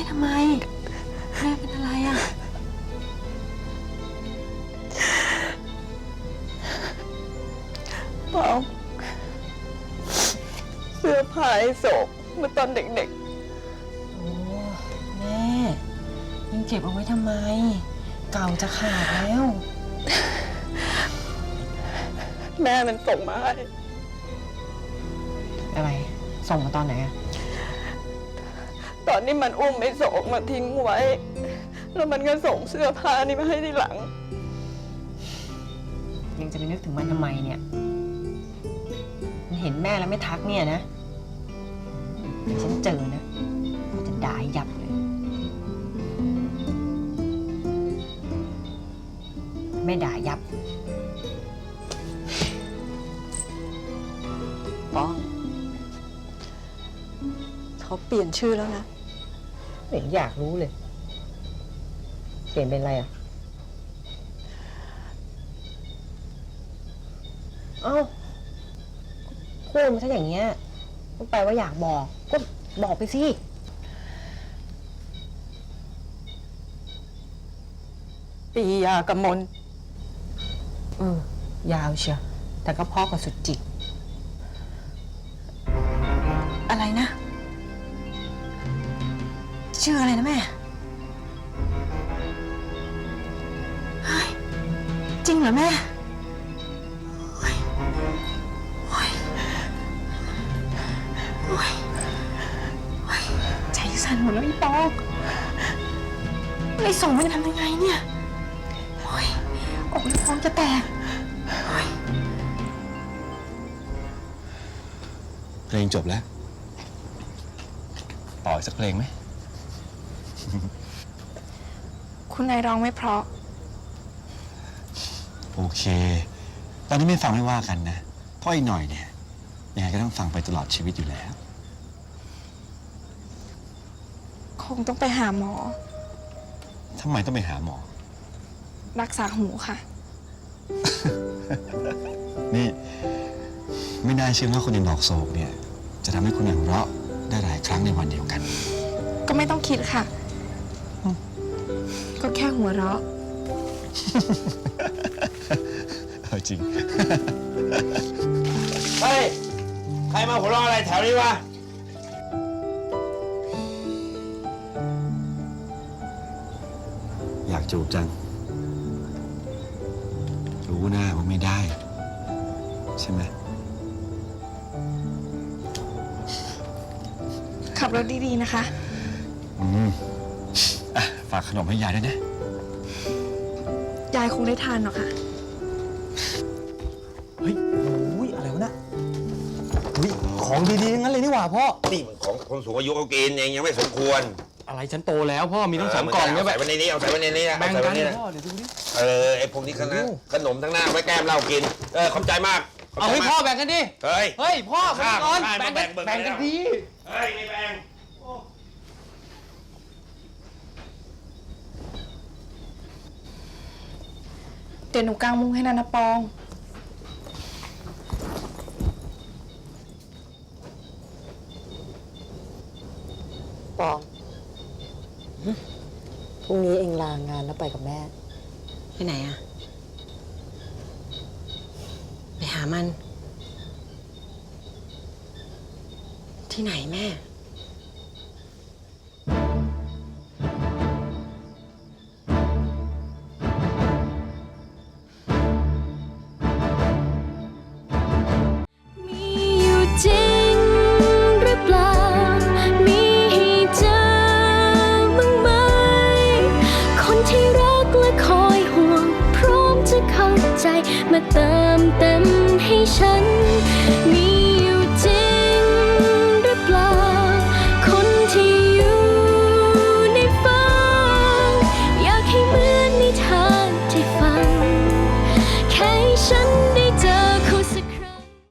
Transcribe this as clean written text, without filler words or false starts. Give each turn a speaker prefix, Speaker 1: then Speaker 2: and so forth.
Speaker 1: ทำไมแม่เป็นอะไรอ่ะ
Speaker 2: เปล่าเสื้อผ้าไอ้โศกเมื่อตอนเด็ก
Speaker 1: โอ้แม่ยังเก็บเอาไว้ทำไมเก่าจะขาดแล้ว
Speaker 2: ๆแม่มันส่งมาให้
Speaker 1: อะไรส่งมาตอนไหนอะ
Speaker 2: ตอนนี้มันอุ้มไอ้โศกมาทิ้งไว้ แล้วมันก็ส่งเสื้อผ้านี่มาให้ทีหลัง
Speaker 1: ยังจะไปนึกถึงมันทำไมเนี่ยมันเห็นแม่แล้วไม่ทักเนี่ยนะฉันเจอนะจะด่าให้ยับเลยไม่ด่ายับ
Speaker 2: ปองเขาเปลี่ยนชื่อแล้วนะ
Speaker 1: ไม่เห็นอยากรู้เลยเปลี่ยนเป็นอะไรอ่ะเอ้าพูดมาซะอย่างเงี้ยก็แปลว่าอยากบอกก็บอกไปสิ
Speaker 2: ปียากมล
Speaker 1: ยาวเชียวแต่ก็พ่อกับสุดจิตอะไรนะชื่ออะไรนะแม่เฮ้ยจริงเหรอแม่โอ้ยโอ้ยโอ้ยโอ้ยใจสั่นหมดแล้วอีปอกไอ้ส่งมันจะทำยังไงเนี่ยโอ้ยอกอีปอกจะแตกโอ้ย
Speaker 3: เพลงจบแล้วต่ออีกสักเพลงไหม
Speaker 4: คุณนายร้องไม่เพราะ
Speaker 3: โอเค ตอนนี้ไม่ฟังไม่ว่ากันนะเพราะอีกหน่อยเนี่ยยังไงก็ต้องฟังไปตลอดชีวิตอยู่แล้ว
Speaker 4: คงต้องไปหาหมอ
Speaker 3: ทำไมต้องไปหาหมอ
Speaker 4: รักษาหูค่ะ
Speaker 3: นี่ไม่น่าเชื่อว่าคนอย่างดอกโศกเนี่ยจะทำให้คุณหัวเราะได้หลายครั้งในวันเดียวกัน
Speaker 4: ก็ไม่ต้องคิดค่ะ ก็แค่หัวเราะ
Speaker 3: จริง
Speaker 5: เฮ้ย ใครมาหัวเราะอะไรแถวนี้วะ
Speaker 3: อยากจูบจัง รู้นะว่าไม่ได้ ใช่ไหม
Speaker 4: ขับรถดีๆนะคะ
Speaker 3: ฝากขนมให้ยายด้วยนะ
Speaker 4: ยายคงได้ทานหรอกค่ะ
Speaker 6: เฮ้ยโอ้ยอะไรวะน่ะเฮ้ยของดีๆทั้งนั้นเลยนี่หว่าพ่อ
Speaker 5: นี่มันของคนสูงอายุเขากินเองยังไม่สมควร
Speaker 6: อะไรฉันโตแล้วพ่อมีทั้งสองกล่องเนี่ย
Speaker 5: ใส่ไว้ในนี้เอาใส่ไว้ในนี้นะ
Speaker 6: แบ่ง
Speaker 5: เอาใส่
Speaker 6: กั
Speaker 5: ไว้
Speaker 6: น
Speaker 5: ในนี้นะ
Speaker 6: พ่อเดี๋ยวดูดิ
Speaker 5: ไอ้พวกนี้ขนมทั้งหน้าไว้แก้มเหล้ากิน ขอบใจมากขบ
Speaker 6: เอา
Speaker 5: ใจ
Speaker 6: ให้
Speaker 5: มาก
Speaker 6: พ่อแบ่งกันดิ
Speaker 5: เฮ้ย
Speaker 6: เฮ้ยพ่อ
Speaker 5: ข้าม
Speaker 6: ก่อน
Speaker 5: ข้าม
Speaker 6: แบ่งกัน
Speaker 5: แบ่ง
Speaker 6: แบ่งกันดี
Speaker 5: เฮ้ยไม่แบ่ง
Speaker 4: เดี๋ยวหนูกางมุ้งให้นะปอง
Speaker 7: ปองพรุ่งนี้เองลางานแล้วไปกับแม่
Speaker 1: ไปไหนอะไปหามัน ที่ไหนแม่
Speaker 8: จริงหรือเปล่ามีให้เจอบ้างไหมคนที่รักและคอยห่วงพร้อมจะเข้าใจมาเติมเต็มให้ฉันมี